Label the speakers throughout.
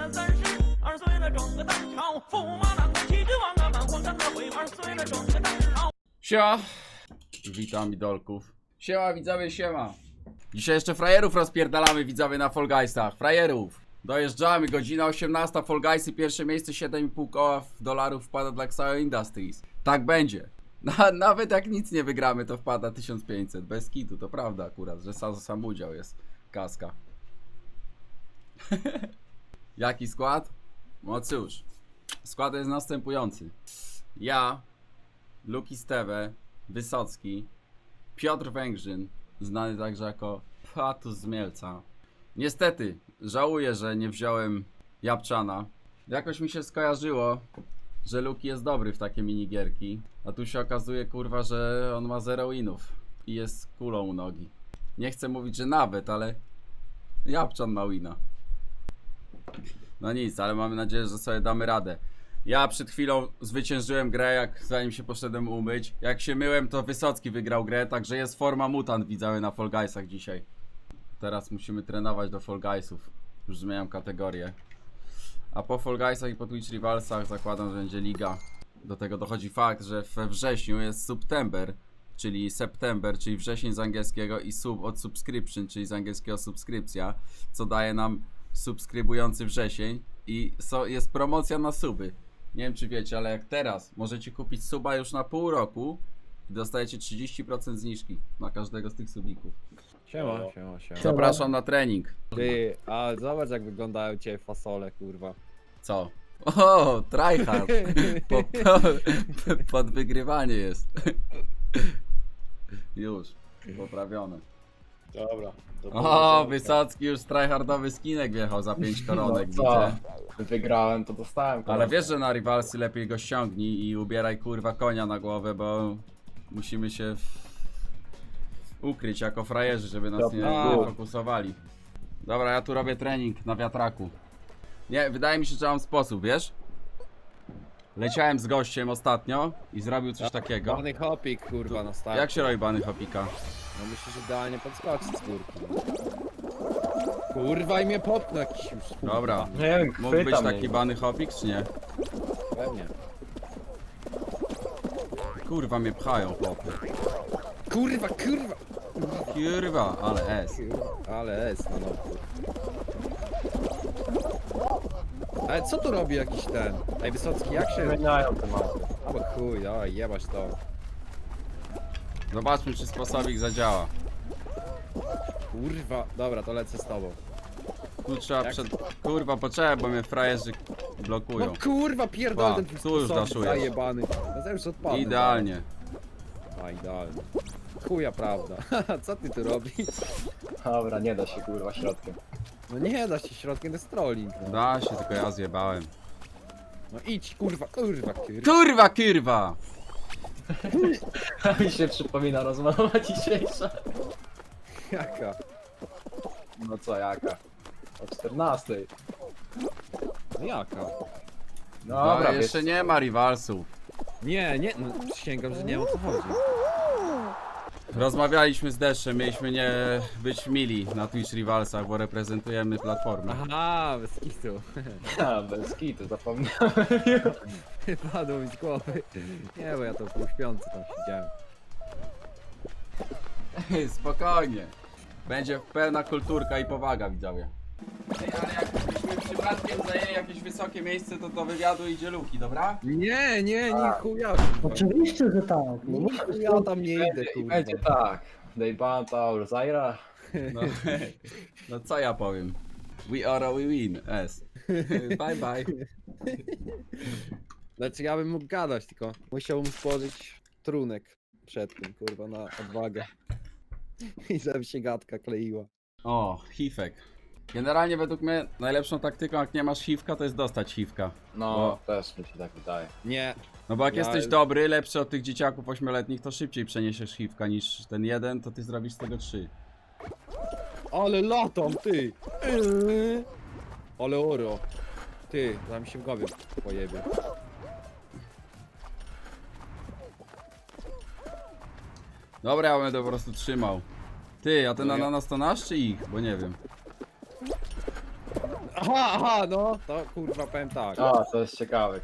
Speaker 1: 了32岁了整个当朝，驸马郎骑着王啊满皇上的回2岁了整个当朝。
Speaker 2: Siema! Witam idolków. Siema widzowie, siema! Dzisiaj jeszcze frajerów rozpierdalamy widzowie na Fall Guysach. Frajerów! Dojeżdżamy, godzina 18, Fall Guysy, pierwsze miejsce, 7,5 koła dolarów wpada dla Xao Industries. Tak będzie. Nawet jak nic nie wygramy, to wpada 1500. Bez kitu, to prawda akurat, że sam udział jest. Kaska. Jaki skład? No cóż, skład jest następujący. Ja, Luki Steve, Wysocki, Piotr Węgrzyn, znany także jako Patus z Mielca. Niestety, żałuję, że nie wziąłem Japczana. Jakoś mi się skojarzyło, że Luki jest dobry w takie minigierki, a tu się okazuje, kurwa, że on ma 0 winów i jest kulą u nogi. Nie chcę mówić, że nawet, ale Japczan ma wina. No nic, ale mamy nadzieję, że sobie damy radę. Ja przed chwilą zwyciężyłem grę, zanim się poszedłem umyć. Jak się myłem, to Wysocki wygrał grę, także jest forma mutant widzowie na Fall Guysach dzisiaj. Teraz musimy trenować do Fall Guysów. Już zmieniam kategorię. A po Fall Guysach i po Twitch Rivalsach zakładam, że będzie liga. Do tego dochodzi fakt, że we wrześniu jest September, czyli wrzesień z angielskiego, i sub od subscription, czyli z angielskiego subskrypcja, co daje nam subskrybujący wrzesień, i jest promocja na suby. Nie wiem czy wiecie, ale jak teraz możecie kupić suba już na pół roku i dostajecie 30% zniżki na każdego z tych subików.
Speaker 3: Siema.
Speaker 2: Zapraszam na trening.
Speaker 3: Ty, a zobacz jak wyglądają cię fasole, kurwa.
Speaker 2: Co? O, tryhard. Pod wygrywanie jest. Już, poprawione.
Speaker 4: Dobra.
Speaker 2: O, Wysocki już tryhardowy skinek wjechał za 5 koronek,
Speaker 4: No co?
Speaker 2: widzę.
Speaker 4: Wygrałem, to dostałem.
Speaker 2: Ale wiesz, że na Rivalsy lepiej go ściągnij i ubieraj kurwa konia na głowę, bo musimy się ukryć jako frajerzy, żeby nas nie fokusowali. Dobra, ja tu robię trening na wiatraku. Nie, wydaje mi się, że mam sposób, wiesz? Leciałem z gościem ostatnio i zrobił coś takiego.
Speaker 3: Bany hopik, kurwa, na start.
Speaker 2: Jak się robi bany hopika?
Speaker 3: No myślę, że idealnie podskoczyć z górki. Kurwa i mnie popchnął jakiś już.
Speaker 2: Dobra.
Speaker 4: Nie wiem,
Speaker 2: Mógł być
Speaker 4: chwytam
Speaker 2: taki
Speaker 4: mnie.
Speaker 2: bany hopik, czy nie?
Speaker 3: Pewnie.
Speaker 2: Kurwa mnie pchają, chłopy.
Speaker 3: Kurwa.
Speaker 2: Kurwa, ale S.
Speaker 3: Ale jest, no. Ale co tu robi jakiś ten? Ej, Wysocki, jak się...
Speaker 4: Zmieniają tematy.
Speaker 3: Albo chuj, dawaj, jebać to.
Speaker 2: Zobaczmy, czy sposobik zadziała.
Speaker 3: Kurwa, dobra, to lecę z tobą.
Speaker 2: Tu trzeba
Speaker 3: Jak?
Speaker 2: Kurwa, poczekaj, bo mnie frajerzy blokują.
Speaker 3: No kurwa, pierdol
Speaker 2: Pa,
Speaker 3: ten twój
Speaker 2: tu już
Speaker 3: sposobnik
Speaker 2: daszujesz.
Speaker 3: zajebany. No już odpadnę.
Speaker 2: Idealnie.
Speaker 3: A, idealnie. Chuja prawda. Co ty tu robisz?
Speaker 4: Dobra, nie da się kurwa środkiem.
Speaker 3: No nie da się środkiem, to jest trolling. No,
Speaker 2: Da się, tylko ja zjebałem.
Speaker 3: no idź, kurwa.
Speaker 2: Kurwa, kurwa!
Speaker 4: Mi się przypomina rozmowa dzisiejsza.
Speaker 3: Jaka?
Speaker 4: No co, jaka? O 14.
Speaker 3: No jaka?
Speaker 4: Dobra,
Speaker 2: jeszcze nie ma rivalsów.
Speaker 3: Nie, no przysięgam, że nie wiem o co chodzi.
Speaker 2: Rozmawialiśmy z Deszczem, mieliśmy nie być mili na Twitch Rivalsach, bo reprezentujemy platformę.
Speaker 3: Aha, bez kitu.
Speaker 4: A, bez kitu, zapomniałem.
Speaker 3: Padło mi z głowy. Nie, bo ja to półśpiący tam siedziałem.
Speaker 2: Spokojnie. Będzie pełna kulturka i powaga, widzowie. Ale jakbyśmy przypadkiem zajęli jakieś wysokie miejsce, to wywiadu idzie Luki, dobra?
Speaker 3: Nie, chuja.
Speaker 5: Oczywiście, że tak. No,
Speaker 3: Nie, chuja tam nie idę,
Speaker 4: I
Speaker 3: kurwa.
Speaker 4: będzie tak. Dejbanta, Urzaira.
Speaker 2: No, no co ja powiem? We are a we win, S. Bye bye.
Speaker 3: Znaczy ja bym mógł gadać, tylko musiałbym spożyć trunek przed tym, kurwa, na odwagę. I żeby się gadka kleiła.
Speaker 2: O, hifek. Generalnie według mnie najlepszą taktyką, jak nie masz hiwka, to jest dostać hiwka.
Speaker 4: No, też mi się tak wydaje.
Speaker 3: Nie,
Speaker 2: No bo jak
Speaker 3: Ja-
Speaker 2: jesteś dobry, lepszy od tych dzieciaków 8-letnich, to szybciej przeniesiesz hiwka niż ten jeden, to ty zrobisz z tego 3.
Speaker 3: ale latam, ty! Ale oro. Ty, zaraz mi się w głowie pojebie.
Speaker 2: Dobra, ja będę po prostu trzymał. Ty, a ten
Speaker 3: No ja-
Speaker 2: ananas to nasz czy ich? Bo nie wiem.
Speaker 3: Aha, no, to kurwa powiem tak.
Speaker 4: O, to jest ciekawe.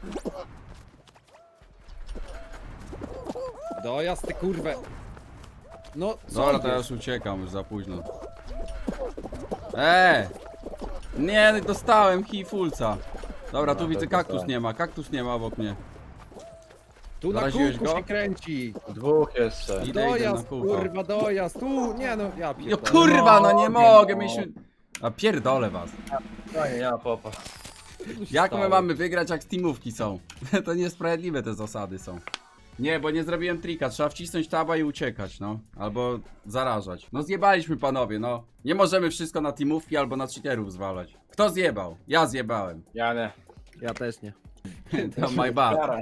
Speaker 3: Dojazd ty kurwę. No, co
Speaker 2: Dobra, to ja
Speaker 3: jest?
Speaker 2: już uciekam, już za późno. Nie, dostałem hifulca. Dobra, tu
Speaker 4: No,
Speaker 2: widzę
Speaker 4: to
Speaker 2: kaktus
Speaker 4: dostałem.
Speaker 2: nie ma, kaktus nie ma obok mnie.
Speaker 3: Tu na
Speaker 2: Zaraziłeś
Speaker 3: kółku
Speaker 2: go?
Speaker 3: się kręci.
Speaker 4: Dwóch jeszcze.
Speaker 2: Idę na
Speaker 3: Dojazd,
Speaker 2: kółko.
Speaker 3: kurwa, dojazd. Tu, nie no, ja
Speaker 2: Jo
Speaker 3: pierdolę.
Speaker 2: kurwa, no nie
Speaker 4: No,
Speaker 2: mogę,
Speaker 4: no.
Speaker 2: mieliśmy... A pierdolę was.
Speaker 4: No nie, ja popa.
Speaker 3: Co tu się
Speaker 2: Jak my
Speaker 3: stało?
Speaker 2: mamy wygrać, jak teamówki są? To niesprawiedliwe te zasady są. Nie, bo nie zrobiłem trika, trzeba wcisnąć taba i uciekać, no. Albo zarażać. No zjebaliśmy panowie, no. Nie możemy wszystko na teamówki albo na cheaterów zwalać. Kto zjebał? Ja zjebałem.
Speaker 4: Ja nie.
Speaker 3: Ja też nie.
Speaker 2: To my bad.
Speaker 4: Jara.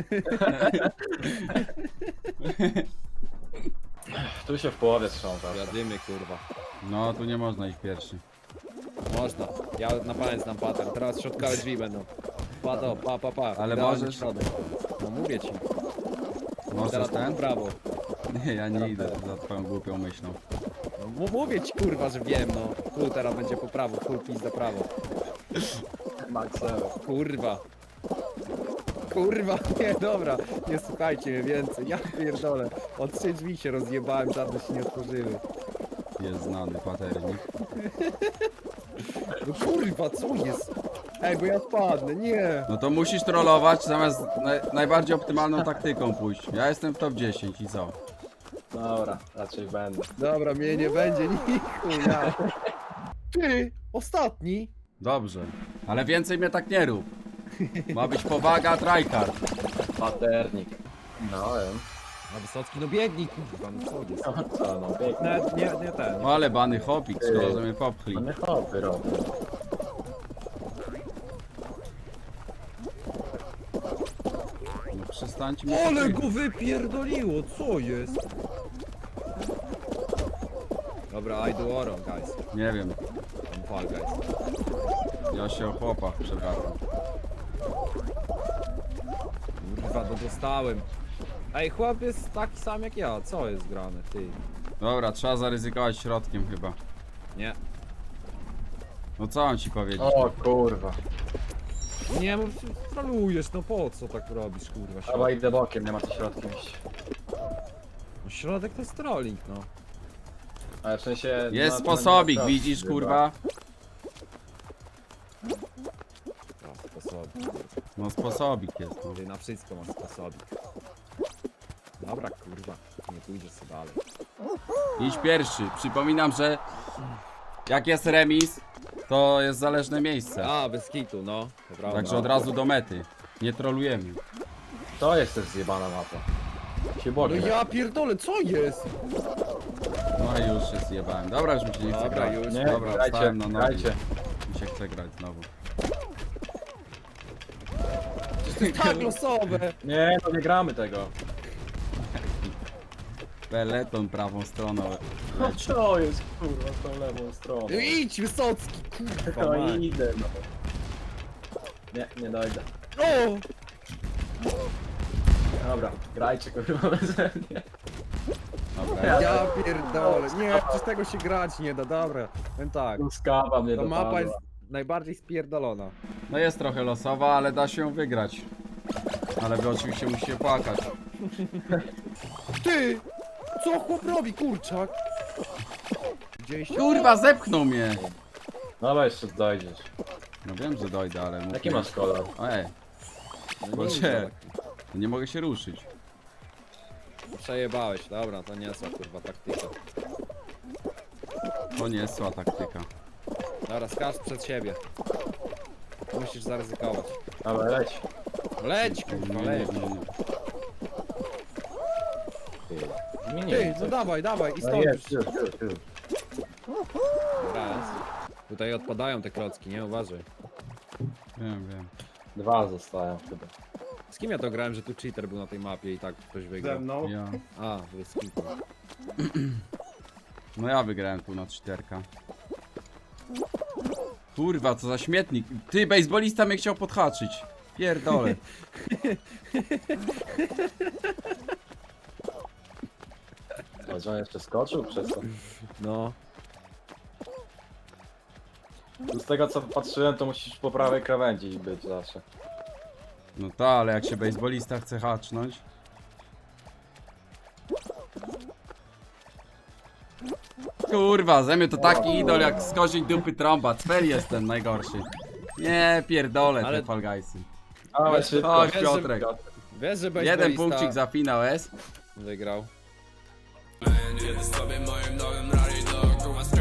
Speaker 4: Tu się w połowie trząsa.
Speaker 3: Jadymy kurwa.
Speaker 2: No, tu nie można iść pierwszy.
Speaker 3: Można. Ja na pamięć znam pattern. Teraz środkowe drzwi będą. Pa.
Speaker 2: Ale
Speaker 3: Idealny
Speaker 2: możesz-
Speaker 3: środek. No mówię ci.
Speaker 2: Możesz
Speaker 3: Teraz
Speaker 2: ten?
Speaker 3: w prawo.
Speaker 2: Nie, ja nie idę za twoją głupią myślą.
Speaker 3: No, mówię ci kurwa, że wiem no. Tu teraz będzie po prawo, full pizza prawo.
Speaker 4: Maxewe.
Speaker 3: Kurwa. Kurwa, nie, dobra. Nie słuchajcie mnie więcej. Ja pierdolę. Od 3 drzwi się rozjebałem, żadne się nie otworzyły.
Speaker 2: Jest znany paternik.
Speaker 3: No kurwa, co jest? Ej, bo ja spadnę, nie.
Speaker 2: No to musisz trollować zamiast najbardziej optymalną taktyką pójść. Ja jestem w top 10 i co?
Speaker 4: Dobra, raczej będę.
Speaker 3: Dobra, mnie nie będzie nichu, ja. Ty, ostatni.
Speaker 2: Dobrze. Ale więcej mnie tak nie rób. Ma być powaga, tryhard.
Speaker 4: Paternik. No wiem.
Speaker 3: A Wysocki, no biegnij, kurwa, no co jest?
Speaker 4: No co, no pięknie.
Speaker 3: Nawet nie ten.
Speaker 2: O, ale bany hopik, szkoda, że mnie popchli.
Speaker 4: Mamy hopy robią.
Speaker 2: No przestańcie mnie
Speaker 3: Ale
Speaker 2: popchli.
Speaker 3: go wypierdoliło, co jest? Dobra, I do oro, guys.
Speaker 2: Nie wiem,
Speaker 3: I'm fall, guys.
Speaker 2: ja się o chłopach przepraszam.
Speaker 3: Kurwa, no dostałem. Ej, chłop jest taki sam jak ja, co jest grane, ty?
Speaker 2: Dobra, trzeba zaryzykować środkiem chyba.
Speaker 3: Nie.
Speaker 2: No co mam ci powiedzieć?
Speaker 4: O kurwa.
Speaker 3: Nie, bo trolujesz, no po co tak robisz, kurwa?
Speaker 4: Chyba
Speaker 3: Środek,
Speaker 4: idę bokiem, nie ma co środkiem iść.
Speaker 3: no, środek to jest trolling, no.
Speaker 4: Ale w sensie...
Speaker 2: Jest
Speaker 4: na-
Speaker 2: sposobik,
Speaker 4: na-
Speaker 2: widzisz
Speaker 4: chyba.
Speaker 2: kurwa?
Speaker 3: No, sposobik.
Speaker 2: No sposobik jest, no.
Speaker 3: Ty na wszystko masz sposobik. Dobra, kurwa, nie pójdziesz sobie dalej.
Speaker 2: Idź pierwszy. Przypominam, że jak jest remis, to jest zależne miejsce.
Speaker 3: A, bez kitu, no. To prawda.
Speaker 2: Także od razu do mety. Nie trolujemy.
Speaker 4: To jest też zjebana mapa. Się
Speaker 3: No
Speaker 4: bokiem.
Speaker 3: ja pierdolę, co jest?
Speaker 2: No i już się zjebałem. Dobra, już mi się nie chce
Speaker 3: Dobra,
Speaker 2: grać.
Speaker 3: już.
Speaker 4: Nie,
Speaker 2: Dobra,
Speaker 4: grajcie,
Speaker 2: wstałem na nogi.
Speaker 4: grajcie.
Speaker 2: Mi się chce grać znowu.
Speaker 3: To jest tak losowe.
Speaker 4: Nie, no nie gramy tego.
Speaker 2: Peleton prawą stroną leci.
Speaker 4: Co jest kurwa z tą lewą stroną?
Speaker 3: Idź, Wysocki, kurwa.
Speaker 4: No
Speaker 3: mać.
Speaker 4: idę no. Nie, nie dojdę.
Speaker 3: O!
Speaker 4: Dobra, grajcie kurwa beze mnie.
Speaker 2: Dobra,
Speaker 3: Ja pierdolę. Nie, przez tego się grać nie da, dobra. Powiem tak.
Speaker 4: Skawa mnie
Speaker 3: Ta
Speaker 4: dopadła.
Speaker 3: mapa jest najbardziej spierdolona.
Speaker 2: no jest trochę losowa, ale da się ją wygrać. Ale wy oczywiście musicie płakać.
Speaker 3: Ty! Co chłop robi, kurczak? Widzieliście?
Speaker 2: Kurwa, zepchnął mnie!
Speaker 4: Dobra, jeszcze dojdziesz.
Speaker 2: No wiem, że dojdę, ale... muszę-
Speaker 4: Jaki masz kolor?
Speaker 2: Ej,
Speaker 3: No
Speaker 2: Boże, nie mogę się ruszyć.
Speaker 3: Przejebałeś, dobra, to nie są kurwa taktyka.
Speaker 2: To nie jest zła taktyka.
Speaker 3: Dobra, skacz przed siebie. Musisz zaryzykować.
Speaker 4: Dobra, leć.
Speaker 3: Leć, kurwa, leć. Ty, no dawaj, dawaj i
Speaker 4: No
Speaker 3: stąd.
Speaker 4: jest, już.
Speaker 3: Dobra, jest. Tutaj odpadają te klocki, nie? Uważaj.
Speaker 2: Wiem.
Speaker 4: Dwa zostają chyba.
Speaker 3: Z kim ja to grałem, że tu cheater był na tej mapie i tak ktoś wygrał?
Speaker 2: Ja.
Speaker 3: A, bez kitu.
Speaker 2: No ja wygrałem tu na 4. Kurwa, co za śmietnik. Ty, bejsbolista mnie chciał podhaczyć. Pierdolę.
Speaker 4: A że on jeszcze skoczył przez to?
Speaker 3: No.
Speaker 4: Z tego co patrzyłem, to musisz po prawej krawędzi być zawsze.
Speaker 2: No to, ale jak się baseballista chce hacznąć. Kurwa, ze mnie to taki idol jak z koziej dupy trąba. Cwer jestem najgorszy. Nie pierdolę
Speaker 3: Ale-
Speaker 2: te Fall Guysy.
Speaker 4: Ale szybko.
Speaker 2: Chodź
Speaker 3: Wiesz,
Speaker 2: Piotrek.
Speaker 3: Wiesz, że
Speaker 2: Jeden
Speaker 3: baseballista
Speaker 2: punkcik za finał S.
Speaker 3: wygrał.
Speaker 6: Jedę sobie moim nowym rally do kurwa